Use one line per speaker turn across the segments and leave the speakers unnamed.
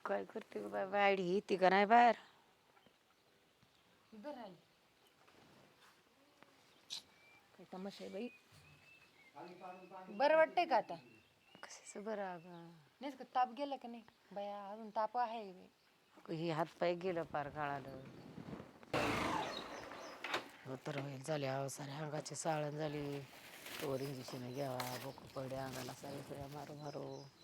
काय करते ग बाय वाडी येते का नाही बाहेर
काय तमाशा आहे बाई. बरं वाटतंय का आता?
कशाचं बरं अगं
नाही का ताप गेला का नाही बया? अजून ताप आहे बाई.
हे हात पाय गेलं पार काळालं तर होईल झाले अहो सारे अंगाची साळण झाली तोवर इंजेक्शन घ्यावा बोक पडे अंगाला सारे सुऱ्या मारू मारू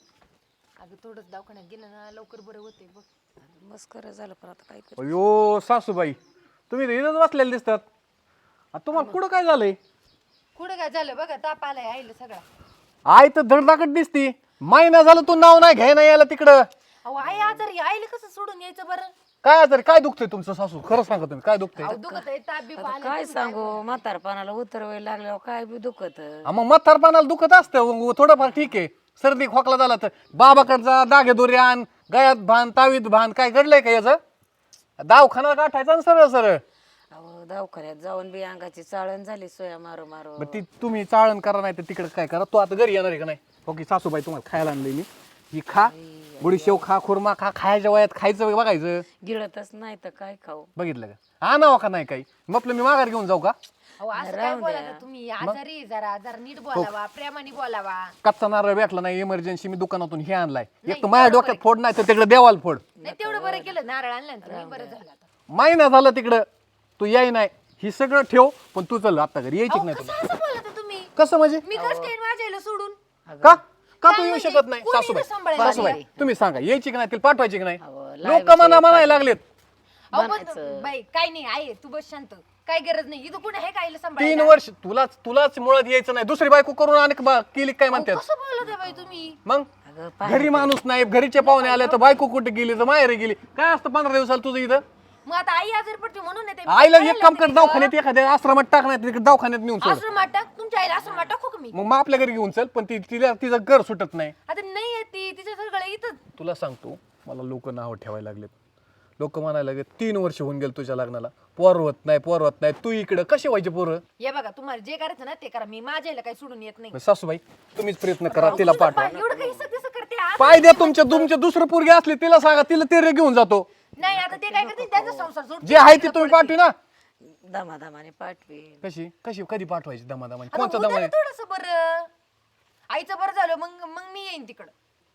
अगं थोडंच दवाखान्यात गेलं ना लवकर बरं होते बघ.
मस्कर झालं पण आता काय कर
अयो सासूबाई तुम्ही इथंच बसलेले दिसतात तुम्हाला कुठं काय झालंय
कुठं काय झालं बघा ताप आलाय आईला सगळा.
आई तर धडधाकट दिसती महिना झालं तू नाव नाही घ्याय नाही यायला तिकडं
अहो आई आजारी आईला कसं सोडून यायचं बरं?
काय तरी काय दुखतंय तुमचं सासू खरं सांगा तुम्ही काय दुखतंय
अहो दुखत आहे ताप बी
आता काय सांगू म्हातारपणाला उतरवायला लागल्यावर काय बी दुखत
मग म्हातारपणाला दुखत असतं थोडंफार ठीक आहे सर्दी खोकला झाला तर बाबाकडचा दागे दोरे आण गळ्यात भान तावीत भान काय घडलंय का याचं दवाखाना गाठायचा ना सरळ सरळ
अहो दवाखान्यात जाऊन बी अंगाची चाळण झाली सोया मारू मारू
ती तुम्ही चाळण करा नाही तर तिकडे काय करा तू आता घरी येणार आहे का नाही हो की सासूबाई तुम्हाला खायला आणलंय मी ही खा गुडीशेव खा खुर्मा खा खायच्या वयात खायचं बघायचं
गिळतच नाही तर काय खाऊ
बघितलं का आणावं का नाही काही मग आपलं मी माघार घेऊन जाऊ का
अहो असं काय बोला तुम्ही? आजारी आहे जरा जरा नीट बोलावा प्रेमाने बोलावा.
कच्चा नारळ भेटला नाही इमर्जन्सी मी दुकानातून हे आणलाय एक तर माझ्या डोक्यात फोड नाही तर तिकडे देवाला फोड
नाही तेवढं बरं केलं नारळ आणलं ना तुम्ही बरं झालं आता.
महिना झालं तिकडं तू याय नाही ही सगळं ठेव पण तू चल आता घरी यायची
अहो,
नाही
कसं
तुला
असं बोलता तुम्ही?
कसं म्हणजे
मी कसं काय माझ्या आईला सोडून?
का का तू
काय
येऊ
म्हणजे?
शकत नाही
कोणी
सासूबाई
इथं सांभाळायला
सासूबाई तुम्ही सांगा यायची की नाही तिला पाठवायची की नाही
अहो,
लोक मना म्हणायला लागलेत
अहो पण बाई काय नाही आहे तू बस शांत. काय गरज नाही इथं कोणी आहे का आईला
3
सांभाळायला?
वर्ष तुलाच मुळात यायचं नाही दुसरी बायको करून आणि केली काय म्हणतात
कसं बोलत आहे बाई तुम्ही?
मग
अगं
घरी माणूस नाही घरीचे पाहुणे आले तर बायको कुठे गेली तर माहेर गेली काय असतं 15 दिवसाला तुझं इथं
मग आता आई आजारी पडते म्हणून येते.
आईला एक काम कर दवाखान्यात एखाद्या आश्रमात टाक नाही तिकडे दवाखान्यात नेऊन सोड
आश्रमात टाक तुमच्या आईला आश्रमात टाकू का मी?
मग आपल्या घरी घेऊन चल पण तिचं घर सुटत नाही
आता नाही येते तिच्या सगळं इथं.
तुला सांगतो मला लोक नाव ठेवायला लागलेत लोक म्हणायला लागले 3 वर्ष होऊन गेले तुझ्या लग्नाला पोर होत नाही तू इकडं कसे व्हायचे पोरं
हे बघा तुम्हाला जे करायचं ना ते करा. मी माझ्या आईला काही सोडून येत नाही.
सासूबाई तुम्हीच प्रयत्न करा तिला पाठवा
एवढं काही सगळं करते आ?
पाय द्या तुमचे दुसरं पोरगी असली तिला सांगा तिला ते घेऊन जातो
नाही आता ते काय करते त्यांचा संसार सोड.
जे आहे ते तुम्ही पाठवी ना
दमादमाने पाठवी
कशी कधी पाठवायची दमादमाने
आता
कोणतं
होतं ना
दमाने
थोडंसं बरं आईचं बरं झालं मग मग मी येईन तिकडं.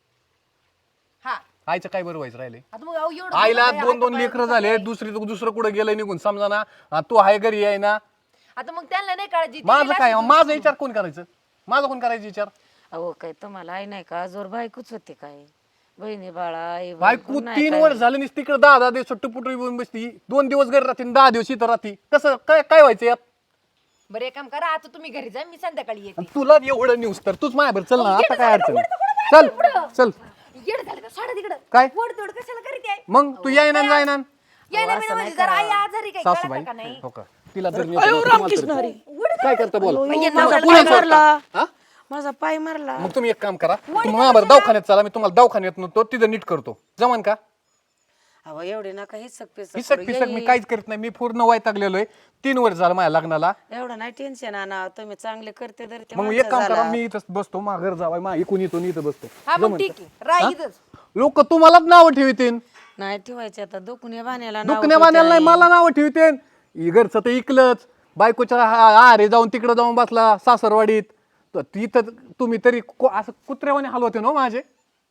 हा
आईचं काय बरं व्हायचं राहिले
आता मग अहो एवढं
आईला
दुखत आहे,
2
हात
लेकरं
पाय
झाले
दुखत
दुसरं कुठं गेलं निघून समजा ना तू आहे घरी आहे ना
आहे. आता मग त्यांना नाही काळजी ती
माझं
गेला
काय
असेल
माझा विचार कोण करायचं माझा कोण करायचा विचार
अहो काय तुम्हाला आई नाही का जोर बायकोच होते काय बहिणी बाळा आई
बायको 3 वर्ष झाले नाही तिकडे 10 दिवस सुट्टी येऊन बसती 2 दिवस घरी राहते 10 दिवस इथं राहते कसं काय व्हायचं यात
बरं एक काम करा आता तुम्ही घरी जा मी संध्याकाळी येते.
आणि तुला एवढं न्यूज तर तूच माझ्यावर चल ना आता काय अडचण चल चल
येड झालं का सोडा तिकडं
काय?
वड तोड कशाला करीत आहे?
मग तू याय ना जाय ना
यायला बिना म्हणजे जरा आई आजारी काय
सासूबाई
कळतं का नाही?
हो का तिला जर नेलं तर तुम्हाला तरी- काय करता बोला
माझा पाय मारला माझा पाय मारला
मग तुम्ही एक काम करा तुम्ही माझ्यावर दवाखान्यात चला मी तुम्हाला दवाखान्यात नव्हतो तिथं नीट करतो जमान का
अहो एवढे नका हिसक
हिसक पिसक मी काहीच करत नाही मी पूर्ण वैतागलेलो आहे 3 वर्ष झालं माझ्या लग्नाला
एवढं नाही टेन्शन आणा तुम्ही चांगले करते तर ते
मग एक काम करा मी इथं बसतो मा घर जावाय मा इकून येतो इथं बसतो
हा मग ठीक आहे राह इथंच.
लोक तुम्हालाच नाव ठेवतील
नाही ठेवायचे आता दुखणे बाण्याला नाव
दुखण्या बाण्याला नाही मला नाव ठेवतील घरचं तर इकलंच बायकोच्या आरे जाऊन तिकडे जाऊन बसला सासरवाडीत तर तिथं तुम्ही तरी असं कुत्र्यावाने हलवते ना माझे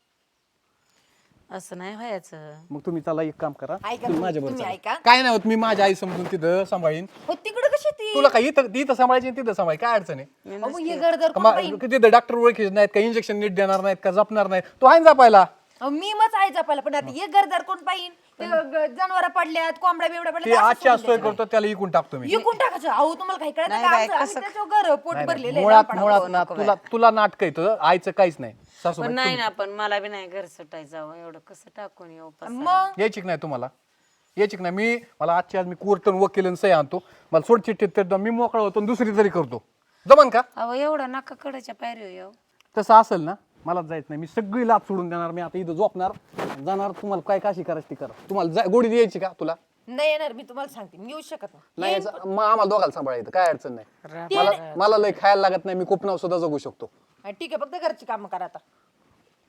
असं नाही व्हायचं
मग तुम्ही चला एक काम करा
ऐका
तुम्ही माझ्या
तुम्ही
बरोबर
ऐका.
काय नाही होत मी माझ्या आई समजून तिथं सांभाळीन
हो तिकडं कशी ती
तुला काय इथं सांभाळायची तिथं सांभाळ काय अडचण आहे
अहो, मग हे गरदर कोण
मग
पाहीन?
तिथं डॉक्टर ओळखीचे नाहीत का इंजेक्शन नीट देणार नाहीत का जपणार नाहीत तो आहे ना जपायला
अहो, मी मच आहे जपायला पण आता हे गरदर कोण पाहिजे जनावर पडल्यात कोंबड्या बिबड्या
ते
पडल्यात
आजची असतोय करतो त्याला इकून टाकतो मी
विकून टाकायचं. अहो तुम्हाला काही कळत
नाही
का
बाई,
आमचं- आम्ही त्याच्यावर घर पोट भरलेलं आहे
मुळात
लहानपणापासून.
मुळात ना तुला नाटक येतं आईचं काहीच नाही सासू
पण नाही ना पण मला बी नाही घर सुटायचं एवढं कसं टाकून येऊ पसारा.
मग
यायची की नाही तुम्हाला यायची की नाही मला आजची आज मी कोर्टन वकील सही आणतो मला सोड चिठ्ठीत तर मी मोकळा होतो आणि दुसरी तरी करतो जमन का
अहो एवढं नका कडाच्या पायरी येऊ
तसं असेल ना मलाच जायचं नाही मी सगळी लाभ सोडून देणार मी आता इथं झोपणार जाणार तुम्हाला काय काशी करायची ती करा तुम्हाला गोडी द्यायची का तुला
नाही येणार मी तुम्हाला सांगते मी येऊ शकत नाही.
नाही यायचं, मग आम्हाला दोघाला सांभाळायचं काय अडचण नाही मला लय खायला लागत नाही मी कोपनाव सुद्धा जगू शकतो
हा, ठीक आहे फक्त घरची कामं करा आता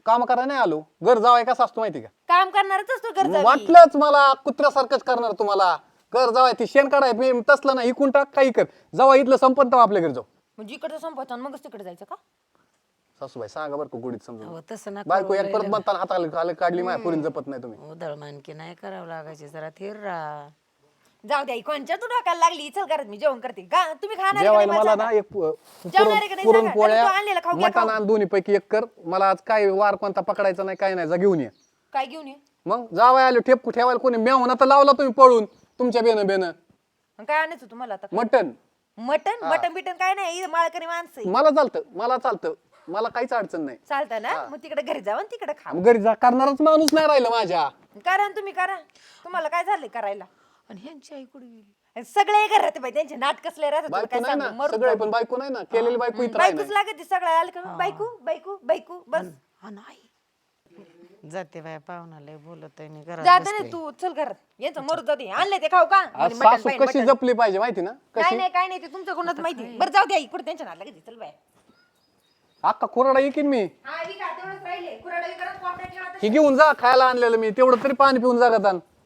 काम करायला नाही आलो. घर जावाय कसा असतो माहिती का?
काम करणारच असतो गरजा
वाटलंच मला कुत्र्यासारखंच करणार तुम्हाला. घर जावाय ती शेण काढाय मी तसलं ना इकून टाक काही कर. जावा इथलं संपत तेव्हा आपल्या घरी जाऊ.
म्हणजे इकडचं संपवतो आणि मगच तिकडे जायचं का?
सासूबाई सांगा बरं का गोडीत समजून.
अहो तसं ना
बायको एक परत म्हणताना हाताला काढली माझ्या पोरीन जपत नाही तुम्ही.
उधळमानकी नाही करावं लागायची, जरा थिर राहा.
जाऊ द्या कोणच्या तू ढोकायला लागली. चल करत मी जेवण करते का तुम्ही खाणार
जेवायला मला ना एक
जेवणार आहे का नाही सांगा.
पुरणपोळ्या
नाही तर तू आणलेलं खाऊ घ्या,
मटण आणि दोन्ही पैकी एक कर. मला आज काय वार कोणता पकडायचा नाही काय नाही, जा घेऊन ये.
काय घेऊन ये?
मग जावाय आलो ठेप ठेवायला कोणी मेवना तर लावला तुम्ही पळून तुमच्या बेन
मग काय आणायचं तुम्हाला आता?
मटण.
मटन मटन बिटन काय नाही, माळकरी माणसं आहे.
मला चालतं मला काहीच अडचण नाही.
चालतं ना? मग तिकडे घरी जावं आणि तिकडे खा.
मग घरी जा करणारच माणूस नाही राहिला माझ्या.
करा ना तुम्ही करा. तुम्हाला काय झालंय करायला?
आणि ह्यांची आई कुठे गेली?
आणि सगळे घरात बाई त्यांचे नाटक कसले राहतात तुला
बायको
काय
नाही
सांगू?
ना
मरून
सगळे,
जाऊ.
पण बायको नाही ना केलेली बायको इथं
बायकोच लागत सगळं आलं का बायको बायको बायको बस.
हा नाही जाते बाया पाहुणाला बोलत आहे घरात
जाते ना तू. चल घरात यांचं मरू जाते. आणले ते खाऊ का?
आज
म्हणे मटण
सासू
पाहिजे,
कशी
मटण.
जपली पाहिजे माहिती ना
काय
कशी.
नाही काय नाही ते तुमचं कोणाच माहिती. बरं जाऊ द्या इकडे त्यांच्या नाटक लागत. चल बाय.
अक्का कोरडा येईन मी.
हा विका तेवढंच राहिले. कुराडा विकत कोपऱ्यात ठेवा.
ही घेऊन जा खायला आणलेलं मी तेवढं तरी पाणी पिऊन जागात आण.